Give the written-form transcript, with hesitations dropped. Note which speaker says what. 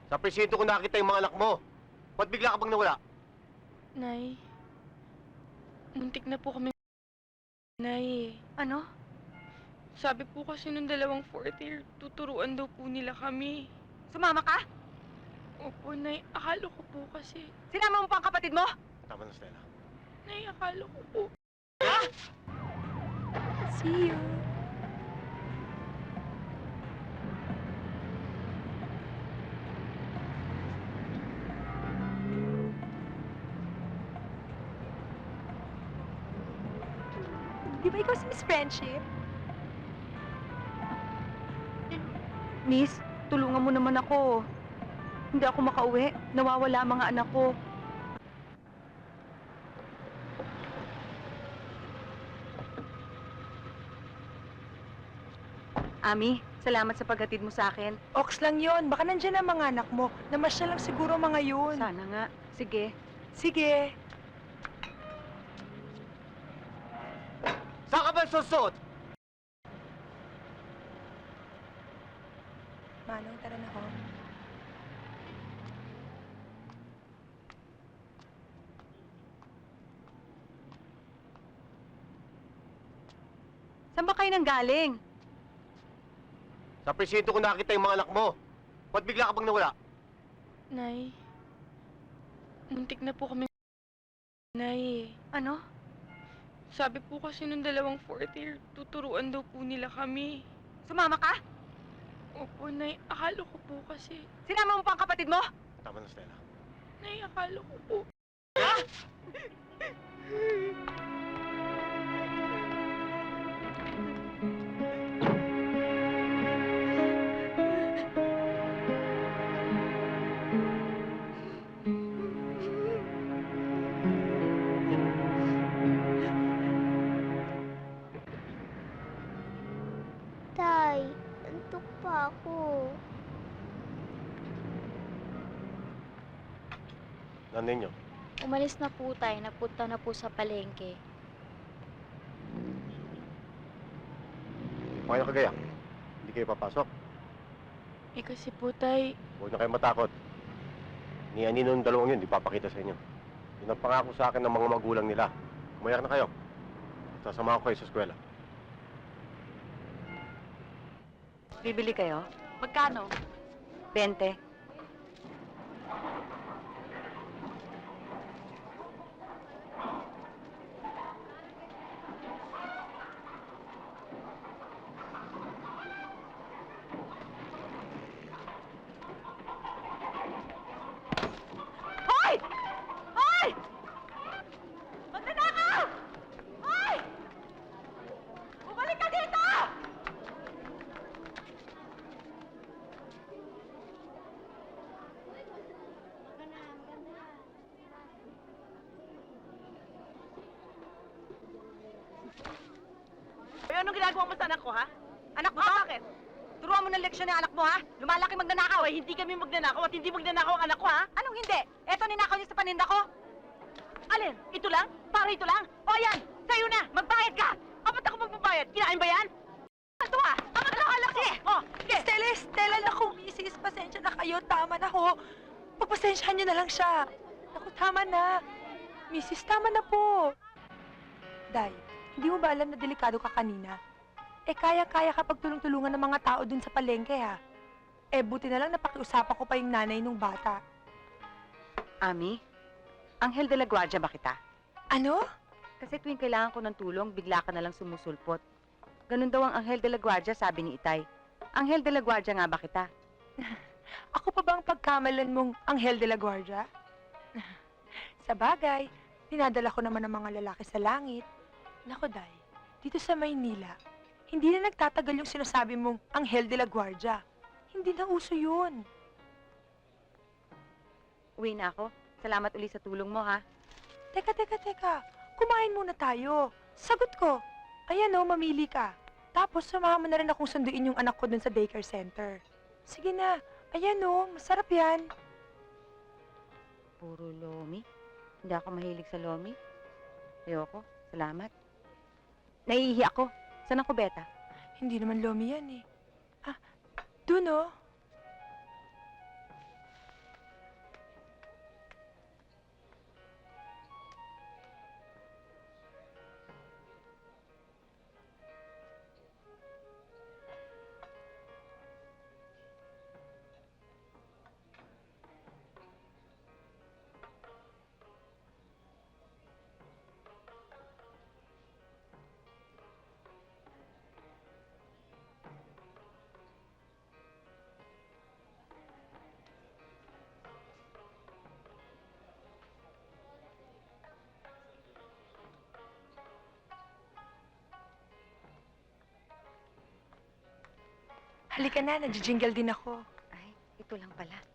Speaker 1: Sa presinto ko nakita yung mga anak mo. Ba't bigla ka bang nawala?
Speaker 2: Nay, muntik na po kami. Nay,
Speaker 3: Ano?
Speaker 2: sabi po kasi nung dalawang fourth year, tuturuan daw po nila kami.
Speaker 3: Sumama ka?
Speaker 2: Opo, Nay, akala ko po kasi.
Speaker 3: Sinama mo pa ang kapatid mo?
Speaker 1: Tama na, Stella.
Speaker 2: Nay, akala ko po.
Speaker 3: See you. Di ba ikaw si Miss Friendship? Miss, tulungan mo naman ako. Hindi ako makauwi. Nawawala ang mga anak ko. Ami, salamat sa paghatid mo sa akin.
Speaker 4: Ox lang yon. Baka nandyan ang mga anak mo. Namasyal lang siguro mga yun.
Speaker 3: Sana nga. Sige.
Speaker 4: Sige.
Speaker 1: Saan ka ba susot?
Speaker 4: Manong, tara na ho.
Speaker 3: Saan ba kayo nanggaling?
Speaker 1: Sa presinto ko nakita yung mga anak mo. Ba't bigla ka bang nawala?
Speaker 2: Nay, muntik na po kami. Nay,
Speaker 3: Ano?
Speaker 2: sabi po kasi nung dalawang fourth year, tuturuan daw po nila kami.
Speaker 3: Sumama ka?
Speaker 2: Opo, Nay, akala ko po kasi.
Speaker 3: Sinama mo pa ang kapatid mo?
Speaker 1: Tama na, Stella.
Speaker 2: Nay, akala ko po.
Speaker 5: Tay, antok pa ako.
Speaker 1: Nanay niyo.
Speaker 5: Umalis na po tayo, napunta na po sa palengke.
Speaker 1: Mga kagaya. Hindi kayo papasok.
Speaker 2: Eh kasi po, Tay,
Speaker 1: Huwag na kayo matakot. Ni Anino ng dalawang yun, di papakita sa inyo. Yun ang pangako sa akin ng mga magulang nila. Umayak na kayo. Sasama ko kayo sa eskwela.
Speaker 3: Bibili kayo?
Speaker 5: Magkano?
Speaker 3: 20. Hoy! Hoy! Magnanakaw! Hoy! Bumalik ka dito! Anong ginagawa mo sa anak ko, ha? Anak mo to? Bakit? Turuan mo ng leksyon ng anak mo, ha? Lumalaki magnanakaw. Eh, hindi kami magnanakaw at hindi magnanakaw ang anak ko, ha? Anong hindi? Eto ninakaw niya sa paninda ko. Alin? Ito lang? Para ito lang? O yan! Sa'yo na! Magbayad ka! Apat ako magbabayad. Kinain ba yan? Ito, ha? Amat ako alam ko! Oh, sige!
Speaker 4: Stella, naku, misis, pasensya na kayo. Tama na ho. Pagpasensyahan niyo na lang siya. Naku, tama na. Misis, tama na po. Day, hindi mo ba alam na delikado ka kanina? Eh, kaya-kaya kapag tulong-tulungan ng mga tao dun sa palengke, ha? Eh, buti na lang napakiusapan ko pa yung nanay nung bata.
Speaker 3: Ami, Anghel de la Guardia ba kita?
Speaker 4: Ano?
Speaker 3: Kasi tuwing kailangan ko ng tulong, bigla ka na lang sumusulpot. Ganun daw ang Anghel de la Guardia, sabi ni Itay. Anghel de la Guardia nga ba kita?
Speaker 4: Ako pa bang pagkamalan mong Anghel de la Guardia? Sa bagay, dinadala ko naman ng mga lalaki sa langit. Nako, Day, dito sa Maynila, hindi na nagtatagal yung sinasabi mong Anghel de la Guardia. Hindi na uso yun.
Speaker 3: Uwi na ako. Salamat uli sa tulong mo, ha?
Speaker 4: Teka. Kumain muna tayo. Sagot ko. Ayan o, mamili ka. Tapos, samahan mo na rin akong sunduin yung anak ko dun sa daycare center. Sige na. Ayan o, masarap yan.
Speaker 3: Puro lomi. Hindi ako mahilig sa lomi. Ayoko. Salamat. Naiihi ako. Saan ang kubeta?
Speaker 4: Hindi naman lomi yan eh. Ah, dun o. Halika na, nag-jingle din ako.
Speaker 3: Ay, ito lang pala.